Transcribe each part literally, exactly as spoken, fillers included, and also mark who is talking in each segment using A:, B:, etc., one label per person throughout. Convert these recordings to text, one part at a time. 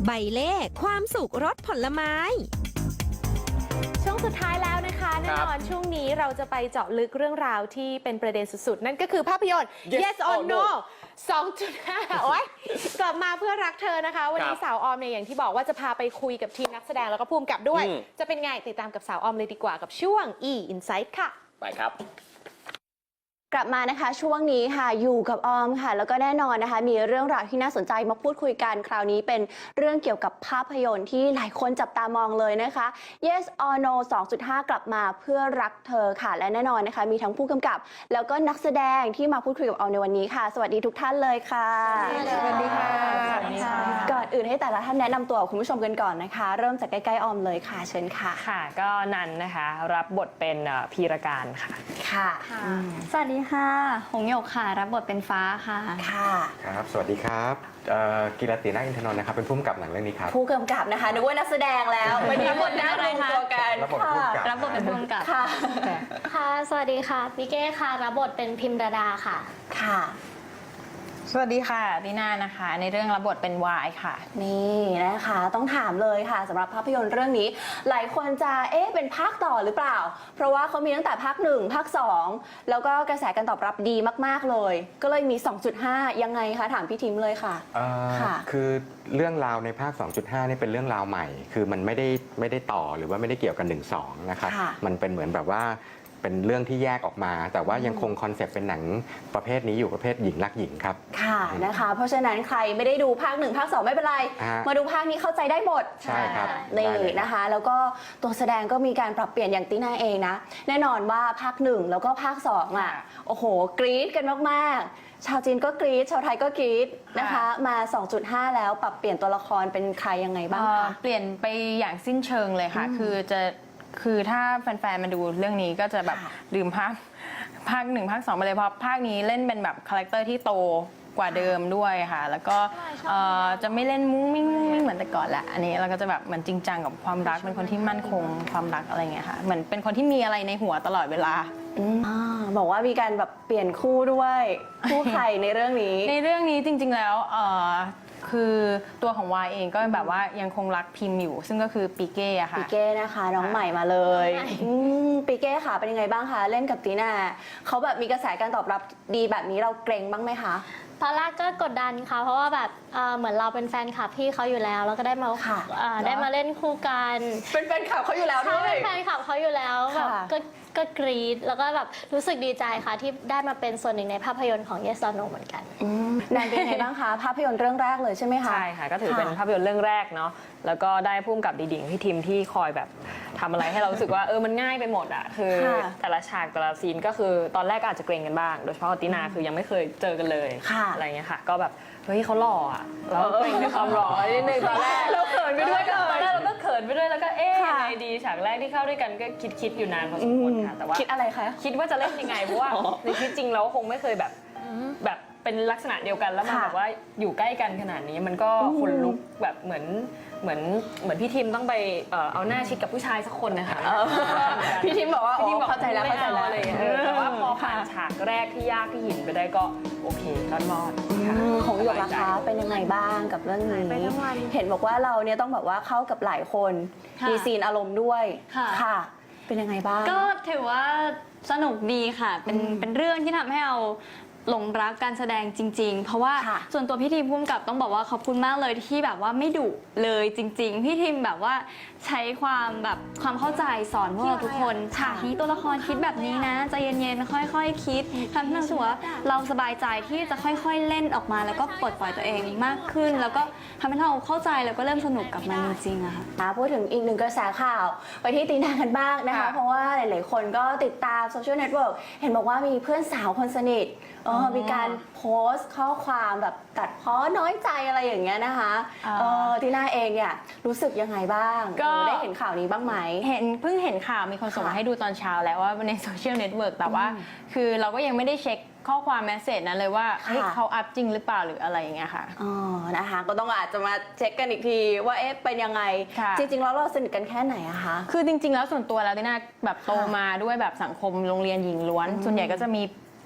A: ใบเล่ความสุขรสผลไม้
B: ช่วงสุดท้ายแล้วนะคะแน่นอนช่วงนี้เราจะไปเจาะลึกเรื่องราวที่เป็นประเด็นสุดๆนั่นก็คือภาพยนตร์ Yes or No สองจุดห้า โอ๊ยกลับมาเพื่อรักเธอนะคะวันนี้สาวออมเนี่ยอย่างที่บอกว่าจะพาไปคุยกับทีมนักแสดงแล้วก็ภูมิกับด้วยจะเป็นไงติดตามกับสาวออมเลยดีกว่ากับช่วง E Insight ค่ะ
C: ไปครับ
D: กลับมานะคะช่วงนี้ค่ะอยู่กับออมค่ะแล้วก็แน่นอนนะคะมีเรื่องราวที่น่าสนใจมาพูดคุยกันคราวนี้เป็นเรื่องเกี่ยวกับภาพยนตร์ที่หลายคนจับตามองเลยนะคะ Yes or No สองจุดห้า กลับมาเพื่อรักเธอค่ะและแน่นอนนะคะมีทั้งผู้กำกับแล้วก็นักแสดงที่มาพูดคุยกับออมในวันนี้ค่ะสวัสดีทุกท่านเลยค่ะ
B: สวัสดีค่ะสวัสดีค่ะ
D: ก่อนอื่นให้แต่ละท่านแนะนำตัวคุณผู้ชมกันก่อนนะคะเริ่มจากใกล้ๆออมเลยค่ะเชิญค่ะ
E: ค่ะก็นันนะคะรับบทเป็นพีรการค่ะ
D: ค่ะ
F: สวัสดีค่ะหงหยกค่ะรับบทเป็นฟ้าค่ะ
D: ค่ะ
G: ครับสวัสดีครับกีรตินาอินทนนท์นะครับเป็นผู้กำกับหนังเรื่องนี้ครับ
D: ผู้กำกับนะคะนึกว่านักแสดงแล้ววันนี้บทน่ารวมตัวกัน
G: รับบทผู้กำกับ
F: รับบทเป็นผู้กำกับ
D: ค่ะ
H: ค่ะสวัสดีค่ะปิเก้ค่ะรับบทเป็นพิมรดาค่ะ
D: ค่ะ
E: สวัสดีค่ะดีน่านะคะในเรื่องรับบทเป็นวายค่ะ
D: นี่นะคะต้องถามเลยค่ะสำหรับภาพยนตร์เรื่องนี้หลายคนจะเอ๊ะเป็นภาคต่อหรือเปล่าเพราะว่าเขามีตั้งแต่ภาคหนึ่งภาคสองแล้วก็กระแสการตอบรับดีมากๆเลยก็เลยมี สองจุดห้า ยังไงคะถามพี่ทิมเลยค่ะ
G: ค่ะคือเรื่องราวในภาค สองจุดห้า นี่เป็นเรื่องราวใหม่คือมันไม่ได้ไม่ได้ต่อหรือว่าไม่ได้เกี่ยวกันหนึ่ง สองนะครับมันเป็นเหมือนแบบว่าเป็นเรื่องที่แยกออกมาแต่ว่ายังคงคอนเซปต์เป็นหนังประเภทนี้อยู่ประเภทหญิงรักหญิงครับ
D: ค่ะนะคะเพราะฉะนั้นใครไม่ได้ดูภาคหนึ่งภาคสองไม่เป็นไรมาดูภาคนี้เข้าใจได้หมด
G: ใช่ครับ
D: นี่นะคะแล้วก็ตัวแสดงก็มีการปรับเปลี่ยนอย่างตีน่าเองนะแน่นอนว่าภาคหนึ่งแล้วก็ภาคสองอ่ะโอ้โหกรี๊ดกันมากๆชาวจีนก็กรี๊ดชาวไทยก็กรี๊ดนะคะมา สองจุดห้า แล้วปรับเปลี่ยนตัวละครเป็นใครยังไงบ้างคะ
E: เปลี่ยนไปอย่างสิ้นเชิงเลยค่ะคือจะคือถ้าแฟนๆมาดูเรื่องนี้ก็จะแบบลืมภาคภาคหนึ่งภาคสองไปเลยเพราะภาคนี้เล่นเป็นแบบคาแรคเตอร์ที่โตกว่าเดิมด้วยค่ะแล้วก็จะไม่เล่นมุ้งมิ้งมุ้งมิ้งเหมือนแต่ก่อนละอันนี้เราก็จะแบบเหมือนจริงจังกับความรักเป็นคนที่มั่นคงความรักอะไรเงี้ยค่ะเหมือนเป็นคนที่มีอะไรในหัวตลอดเวลา
D: บอกว่ามีการแบบเปลี่ยนคู่ด้วยคู่ใครในเรื่องนี้
E: ในเรื่องนี้จริงๆแล้วคือตัวของวายเองก็แบบว่ายังคงรักพิมพ์อยู่ซึ่งก็คือปีเก้อะค่ะ
D: ปีเก้นะคะน้องใหม่มาเลยปีเก้ค่ะเป็นยังไงบ้างคะเล่นกับตีน่าเขาแบบมีกระแสการตอบรับดีแบบนี้เราเกรงบ้างไหมคะ
H: ตอนแรกก็กดดันค่ะเพราะว่าแบบเหมือนเราเป็นแฟนคลับพี่เขาอยู่แล้วแล้วก็ได้มาได้มาเล่นคู่กัน
D: เป็นแฟนคลับเขาอยู่แล้วด้วย
H: เป็นแฟนคลับเขาอยู่แล้วแบบก็ก็กรี๊ดแล้วก็แบบรู้สึกดีใจค่ะที่ได้มาเป็นส่วนหนึ่งในภาพยนตร์ของ Yes or No เหมือนกัน
D: นานเป็นไงบ้างคะภาพยนตร์เรื่องแรกเลยใช่ไหมคะ
E: ใช่ค่ะก็ถือเป็นภาพยนตร์เรื่องแรกเนาะแล้วก็ได้พุ่มกับดีๆพี่ทีมที่คอยแบบทำอะไรให้เรารู้สึกว่าเออมันง่ายไปหมดอ่ะคือแต่ละฉากแต่ละซีนก็คือตอนแรกก็อาจจะเกรงกันบ้างโดยเฉพาะตินาคือยังไม่เคยเจอกันเลยอะไรเงี้ยค่ะก็แบบเฮ้ยเขาหล่ออ่ะเราเกรงในความหล่อนิดนึงตอนแรกเราเขินไปด้วยตอนแรกเราก็เขินไปด้วยแล้วก็เอ๊ะยังไงดีฉากแรกที่เข้าด้วยกันก็คิดคิดอยู่นานพอสมควรค่ะแต่ว่า
D: คิดอะไรคะ
E: คิดว่าจะเล่นยังไงเพราะว่าในชีวิตจริงเราคงไม่เคยแบบแบบเป็นลักษณะเดียวกันแล้วมาแบบว่าอยู่ใกล้กันขนาดนี้มันก็คนลุกแบบเหมือนเหมือนเหมือนพี่ทิมต้องไปเอาหน้าชิดกับผู้ชายสักคนนะคะ
D: พี่ทิมบอกว่าพี่ทิมบอกเข้าใจแล้วเข้าใจแล้ว
E: เลยแต่ว่าพอผ่านฉากแรกที่ยากที่หินไปได้ก็โอเครอดรอด
D: ของหยกราคาเป็นยังไงบ้างกับเรื่องนี้เห็นบอกว่าเราเนี่ยต้องแบบว่าเข้ากับหลายคนมีซีนอารมณ์ด้วยค่ะเป็นยังไงบ้าง
F: ก็ถือว่าสนุกดีค่ะเป็นเป็นเรื่องที่ทำให้เราหลงรักการแสดงจริงๆเพราะว่าส่วนตัวพี่ทีมพุ่มกับต้องบอกว่าขอบคุณมากเลยที่แบบว่าไม่ดุเลยจริงๆพี่ทีมแบบว่าใช้ความแบบความเข้าใจสอนพวกเราทุกคนฉากนี้ตัวละครคิดแบบนี้นะใจเย็นๆค่อยๆคิดทำให้เราสึกว่าเราสบายใจที่จะค่อยๆเล่นออกมาแล้วก็ปลดปล่อยตัวเองมากขึ้นแล้วก็ทำให้เราเข้าใจแล้วก็เริ่มสนุกกับมันจริงๆอะ
D: ค่ะพูดถึงอีกหนึ่งกระแสข่าวไปที่ตีนากันบ้างนะคะเพราะว่าหลายๆคนก็ติดตามโซเชียลเน็ตเวิร์กเห็นบอกว่ามีเพื่อนสาวคนสนิทมีการโพสต์ข้อความแบบตัดพ้อน้อยใจอะไรอย่างเงี้ยนะคะตีน่าเองเนี่ยรู้สึกยังไงบ้างก็ได้เห็นข่าวนี้บ้างไหม
E: เห็นเพิ่งเห็นข่าวมีคนส่งมาให้ดูตอนเช้าแล้วว่าในโซเชียลเน็ตเวิร์กแต่ว่าคือเราก็ยังไม่ได้เช็คข้อความแมสเสจนั้นเลยว่าเฮ้ยเขาอัพจริงหรือเปล่าหรืออะไรอย่างเงี้ยค่ะ
D: อ๋อนะคะก็ต้องอาจจะมาเช็คกันอีกทีว่าเอ๊ะเป็นยังไงจริงๆแล้วเราสนิทกันแค่ไหนอะคะ
E: คือจริงๆแล้วส่วนตัวแล้วติน่าแบบโตมาด้วยแบบสังคมโรงเรียนหญิงล้วนส่วนใหญ่ก็จะมี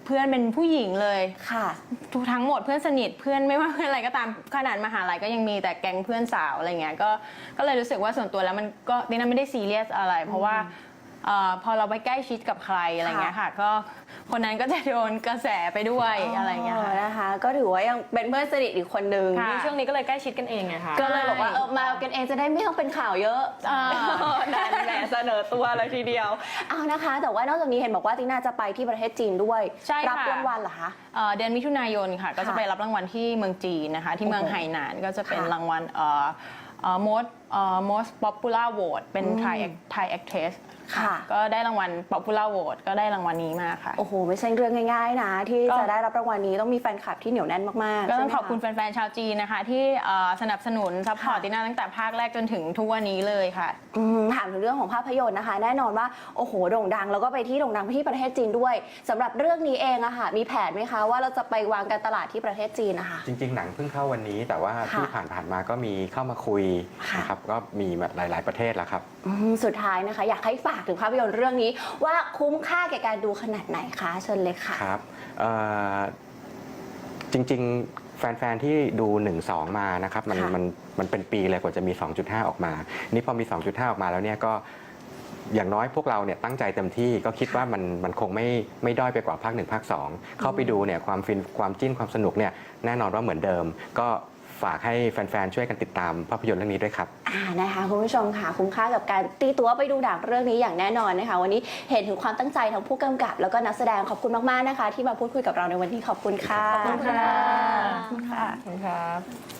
C: เพื่อนเป็นผู้หญิงเลย
D: ค่ะ
C: ทุกทั้งหมดเพื่อนสนิทเพื่อนไม่ว่าเพื่อนอะไรก็ตามขนาดมหาลัยก็ยังมีแต่แก๊งเพื่อนสาวอะไรเงี้ยก็ก็เลยรู้สึกว่าส่วนตัวแล้วมันก็ดิน่าไม่ได้ซีเรียสอะไร เพราะว่าเอ่อพอเราไปใกล้ชิดกับใครอะไรเงี้ยค่ะก็คนนั้นก็จะโดนกระแสไปด้วยอะไรเงี้ยค่ะ
D: นะคะ ก็ถือว่ายังเป็นเพื่อนสนิทอีกคนนึง
E: นี่ช่วงนี้ก็เลยใกล้ชิดกันเองไงคะ
D: ก็เลยบอกว่าเออมากันเองจะได้ไม่ต้องเป็นข่าวเยอะ
C: อ่า
D: นั่นแหละเสนอตัวเลยทีเดียวเอานะคะ แต่ว่านอกจากนี้เห็นบอกว่าติน่าจะไปที่ประเทศจีนด้วย
C: ใช่ค่ะ
D: รับรางวัลเหรอคะ
C: เอ่อเดือนมิถุนายนค่ะ ก็จะ
D: ค่ะ
C: ไปรับรางวัลที่เมืองจีนนะคะ ที่เมือง
D: โอ้โห
C: ไหหนานก็จะเป็น
D: ค่ะ
C: รางวัลเอ่อเอ่อ most เอ่อ most popular vote เป็น Thai act- Thai actress
D: ค่ะ
C: ก็ได้รางวัล popular vote ก็ได้รางวัลนี้มาค่ะ
D: โอ้โห ไม่ใช่เรื่องง่ายๆนะ ที่
C: ก็
D: จะได้รับรางวัลนี้ต้องมีแฟนคลับที่เหนียวแน่นมากๆ
C: ก็ต้อง
D: ใช่ไหม
C: ขอบคุณแฟนๆ ชาวจีนนะคะ ที่เอ่อสนับสนุนซัพพอร์ต
D: ค่ะ
C: ติน่าตั้งแต่ภาคแรกจนถึงทุกวันนี้เลยค่ะ
D: อืมถามถึงเรื่องของภาพยนตร์นะคะ แน่นอนว่าโอ้โหโด่งดังแล้วก็ไปที่โด่งดังไปที่ประเทศจีนด้วยสำหรับเรื่องนี้เองอะค่ะมีแผนไหมคะว่าเราจะไปวางการตลาดที่ประเทศจีนนะคะ
G: จริง ๆ หนังเพิ่งเข้าวันนี้ แต่ว่า
D: ค่ะ
G: ที่ผ่านๆมาก็มีเข้ามาคุย
D: ค่ะ
G: นะครับก็มีแบบหลาย ๆประเทศแล้วครับ
D: อืมสุดท้ายนะคะ อยากให้ฝากถึงภาพยนตร์เรื่องนี้ ว่าคุ้มค่าแก่การดูขนาดไหนคะเชิญเลยค่ะ
G: ครับเอ่อจริงๆ แฟน ๆ ที่ดู หนึ่ง สอง มานะครับมัน
D: ค่ะ
G: มันมันเป็นปีเลยกว่าจะมี สองจุดห้า ออกมา นี่พอมี สองจุดห้า ออกมาแล้วเนี่ยก็อย่างน้อยพวกเราเนี่ยตั้งใจเต็มที่ก็คิดว่ามันมันคงไม่ไม่ด้อยไปกว่าภาคหนึ่งภาคสองเข้าไปดูเนี่ยความฟินความจิ้นความสนุกเนี่ยแน่นอนว่าเหมือนเดิม ก็ฝากให้แฟน ๆ ช่วยกันติดตามภาพยนตร์เรื่องนี้ด้วยครับ
D: อ่านะคะคุณผู้ชมค่ะคุ้มค่ากับการตีตั๋วไปดูหนังเรื่องนี้อย่างแน่นอนนะคะ วันนี้เห็นถึงความตั้งใจทั้งผู้กำกับ แล้วก็นักแสดงขอบคุณมากๆนะคะ ที่มาพูดคุยกับเราในวันนี้ขอบคุณค่ะ
H: ขอบคุณค่ะ
D: ขอบคุณค่ะ
E: ขอบคุณครับ